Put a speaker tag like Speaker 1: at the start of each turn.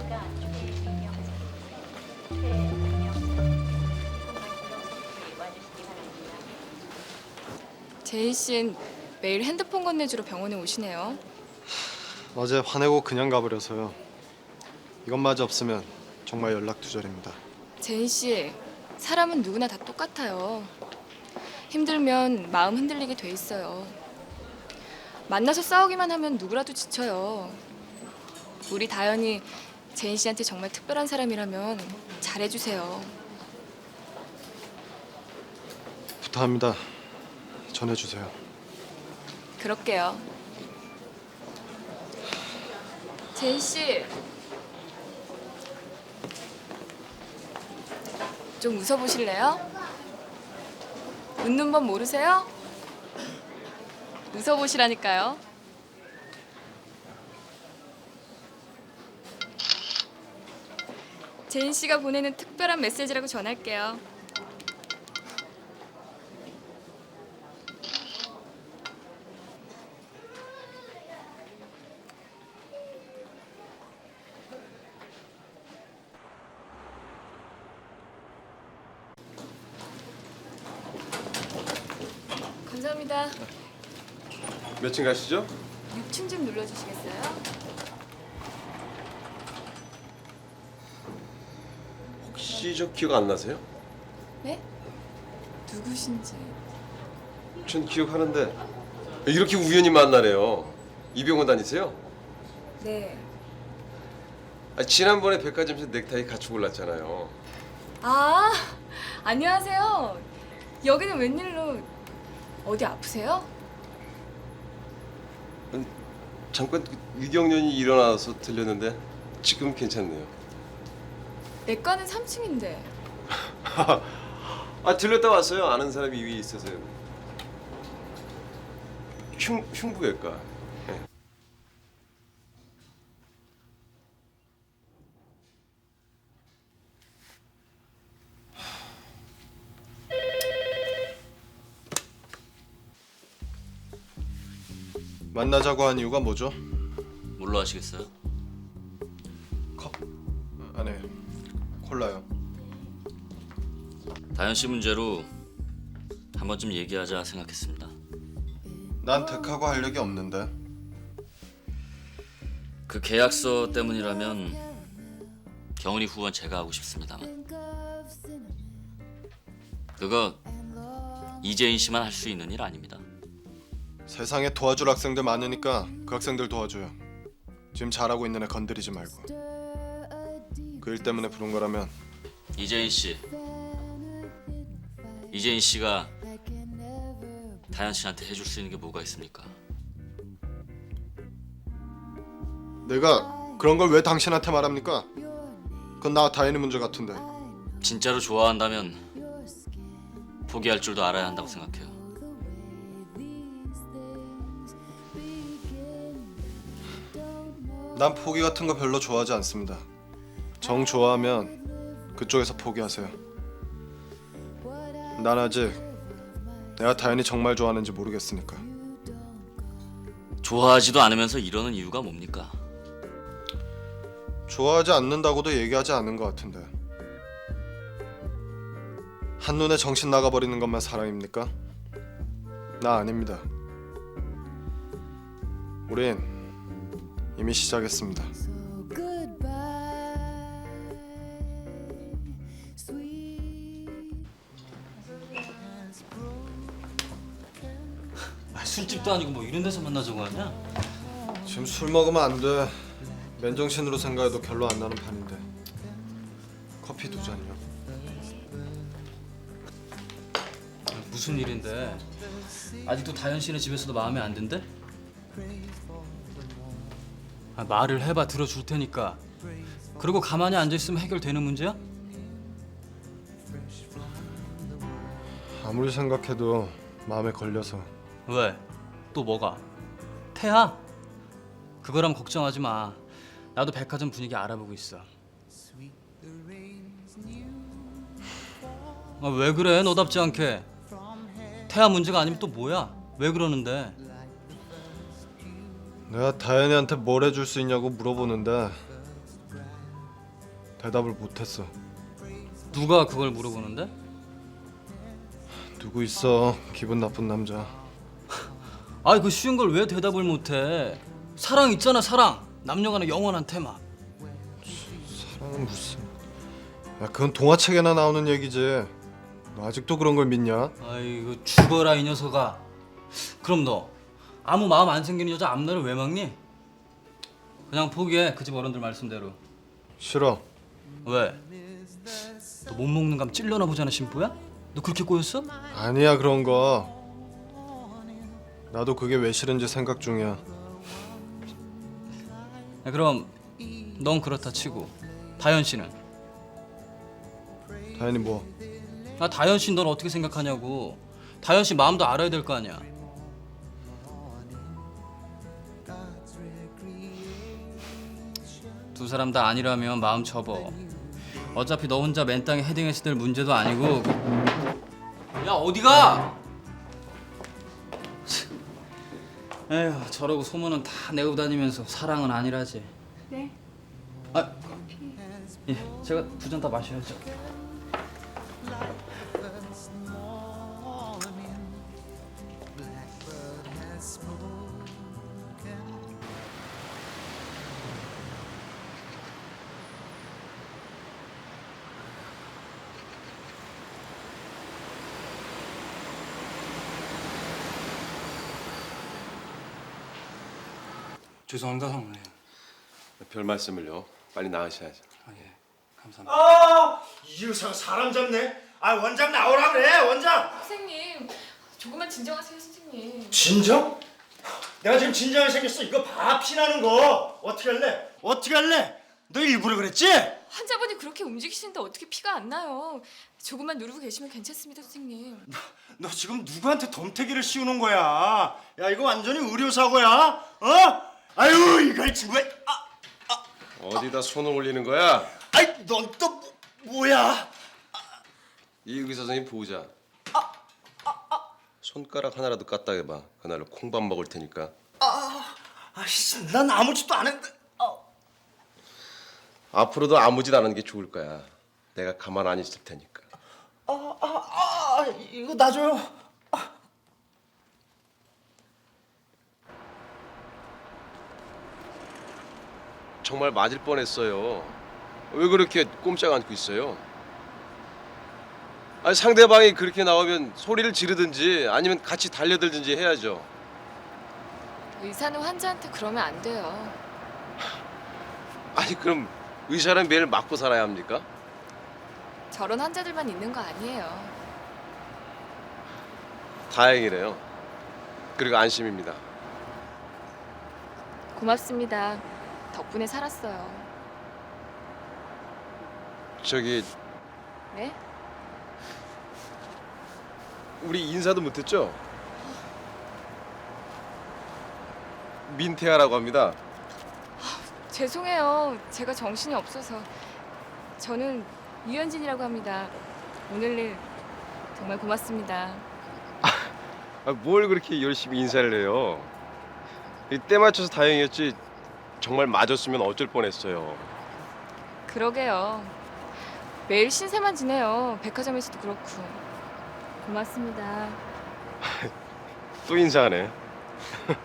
Speaker 1: 제인 씨는 매일 핸드폰 건네주러 병원에 오시네요.
Speaker 2: 어제 화내고 그냥 가버려서요. 이것마저 없으면 정말 연락 두절입니다.
Speaker 1: 제인 씨, 사람은 누구나 다 똑같아요. 힘들면 마음 흔들리게 돼 있어요. 만나서 싸우기만 하면 누구라도 지쳐요. 우리 다현이 제인 씨한테 정말 특별한 사람이라면 잘해주세요.
Speaker 2: 부탁합니다. 전해주세요.
Speaker 1: 그럴게요. 제인 씨, 좀 웃어보실래요? 웃는 법 모르세요? 웃어보시라니까요. 제인 씨가 보내는 특별한 메시지라고 전할게요. 감사합니다.
Speaker 3: 몇 층 가시죠?
Speaker 1: 6층 좀 눌러주시겠어요?
Speaker 3: 혹시 저 기억 안 나세요?
Speaker 1: 네? 누구신지.
Speaker 3: 전 기억하는데 이렇게 우연히 만나네요. 이병원 다니세요?
Speaker 1: 네.
Speaker 3: 지난번에 백화점에서 넥타이 같이 골랐잖아요.
Speaker 1: 아, 안녕하세요. 여기는 웬일로 어디 아프세요?
Speaker 3: 잠깐 위경련이 일어나서 들렸는데 지금 괜찮네요.
Speaker 1: 내과는 3층인데.
Speaker 3: 들렸다 왔어요. 아는 사람이 위에 있어서요. 흉부외과. 네.
Speaker 2: 만나자고 한 이유가 뭐죠?
Speaker 4: 뭘로 하시겠어요?
Speaker 2: 아니, 콜라요.
Speaker 4: 다현 씨 문제로 한 번쯤 얘기하자 생각했습니다.
Speaker 2: 난 덱하고 할 얘기 없는데.
Speaker 4: 그 계약서 때문이라면 경은이 후원 제가 하고 싶습니다만 그거 이재인 씨만 할 수 있는 일 아닙니다.
Speaker 2: 세상에 도와줄 학생들 많으니까 그 학생들 도와줘요. 지금 잘하고 있는 애 건드리지 말고. 그 일 때문에 부른 거라면
Speaker 4: 이재인 씨가 다현 씨한테 해줄 수 있는 게 뭐가 있습니까?
Speaker 2: 내가 그런 걸 왜 당신한테 말합니까? 그건 나와 다현이 문제 같은데.
Speaker 4: 진짜로 좋아한다면 포기할 줄도 알아야 한다고 생각해요.
Speaker 2: 난 포기 같은 거 별로 좋아하지 않습니다. 정 좋아하면 그쪽에서 포기하세요. 난 아직 내가 다현이 정말 좋아하는지 모르겠으니까.
Speaker 4: 좋아하지도 않으면서 이러는 이유가 뭡니까?
Speaker 2: 좋아하지 않는다고도 얘기하지 않은 것 같은데. 한눈에 정신 나가버리는 것만 사랑입니까? 나 아닙니다. 우린 이미 시작했습니다.
Speaker 4: 술집도 아니고 뭐 이런 데서 만나자고 하냐?
Speaker 2: 지금 술 먹으면 안 돼. 맨정신으로 생각해도 결론 안 나는 판인데. 커피 2잔이요.
Speaker 5: 무슨 일인데? 아직도 다현 씨네 집에서도 마음에 안 든대? 말을 해봐 들어줄 테니까. 그리고 가만히 앉아 있으면 해결되는 문제야?
Speaker 2: 아무리 생각해도 마음에 걸려서.
Speaker 5: 왜? 또 뭐가? 태야? 그거람 걱정하지 마. 나도 백화점 분위기 알아보고 있어. 왜 그래? 너답지 않게. 태아 문제가 아니면 또 뭐야? 왜 그러는데?
Speaker 2: 내가 다현이한테 뭘 해줄 수 있냐고 물어보는데 대답을 못했어.
Speaker 5: 누가 그걸 물어보는데?
Speaker 2: 누구 있어? 기분 나쁜 남자.
Speaker 5: 아이 그 쉬운 걸 왜 대답을 못해? 사랑 있잖아 사랑. 남녀간의 영원한 테마.
Speaker 2: 사랑은 무슨? 야 그건 동화책에나 나오는 얘기지. 너 아직도 그런 걸 믿냐?
Speaker 5: 아이고 죽어라 이 녀석아. 그럼 너 아무 마음 안 생기는 여자 앞날을 왜 막니? 그냥 포기해 그 집 어른들 말씀대로.
Speaker 2: 싫어.
Speaker 5: 왜? 너 못 먹는 감 찔려나 보잖아 신부야? 너 그렇게 꼬였어?
Speaker 2: 아니야 그런 거. 나도 그게 왜 싫은지 생각 중이야.
Speaker 5: 야, 그럼 넌 그렇다 치고 다현 씨는?
Speaker 2: 다현이 뭐?
Speaker 5: 아 다현 씨 넌 어떻게 생각하냐고. 다현 씨 마음도 알아야 될 거 아니야. 두 사람 다 아니라면 마음 접어. 어차피 너 혼자 맨 땅에 헤딩해서 될 문제도 아니고. 야 어디가? 에휴 저러고 소문은 다 내고 다니면서 사랑은 아니라지.
Speaker 1: 네.
Speaker 5: 아, 예, 제가 두 잔 다 마셔야죠. 죄송합니다 성모님.
Speaker 3: 별 말씀을요. 빨리 나으셔야죠.
Speaker 5: 아, 예, 감사합니다.
Speaker 6: 아, 이 의사가 사람 잡네. 아, 원장 나오라 그래, 원장.
Speaker 1: 선생님, 조금만 진정하세요, 선생님.
Speaker 6: 진정? 내가 지금 진정이 생겼어. 이거 봐, 피나는 거. 어떻게 할래? 어떻게 할래? 너 일부러 그랬지?
Speaker 1: 환자분이 그렇게 움직이시는데 어떻게 피가 안 나요? 조금만 누르고 계시면 괜찮습니다, 선생님.
Speaker 6: 너 지금 누구한테 덤태기를 씌우는 거야? 야, 이거 완전히 의료사고야. 어? 아유, 이걸 친구야.
Speaker 3: 어디다 손을 올리는 거야?
Speaker 6: 아이, 넌 또 뭐야?
Speaker 3: 이 의사 선생님 보자. 손가락 하나라도 까딱 해봐. 그날로 콩밥 먹을 테니까.
Speaker 6: 아이씨, 난 아무 짓도 안 했는데.
Speaker 3: 앞으로도 아무 짓 안 하는 게 좋을 거야. 내가 가만 안 있을 테니까.
Speaker 6: 이거 놔줘요.
Speaker 3: 정말 맞을 뻔했어요. 왜 그렇게 꼼짝 않고 있어요? 아니 상대방이 그렇게 나오면 소리를 지르든지 아니면 같이 달려들든지 해야죠.
Speaker 1: 의사는 환자한테 그러면 안 돼요.
Speaker 3: 아니 그럼 의사는 매일 맞고 살아야 합니까?
Speaker 1: 저런 환자들만 있는 거 아니에요.
Speaker 3: 다행이네요. 그리고 안심입니다.
Speaker 1: 고맙습니다. 덕분에 살았어요.
Speaker 3: 저기
Speaker 1: 네?
Speaker 3: 우리 인사도 못했죠? 민태아라고 합니다.
Speaker 1: 죄송해요. 제가 정신이 없어서. 저는 유현진이라고 합니다. 오늘 일 정말 고맙습니다.
Speaker 3: 뭘 그렇게 열심히 인사를 해요? 때 맞춰서 다행이었지. 정말 맞았으면 어쩔 뻔했어요.
Speaker 1: 그러게요. 매일 신세만 지내요. 백화점에서도 그렇고. 고맙습니다.
Speaker 3: 또 인사하네.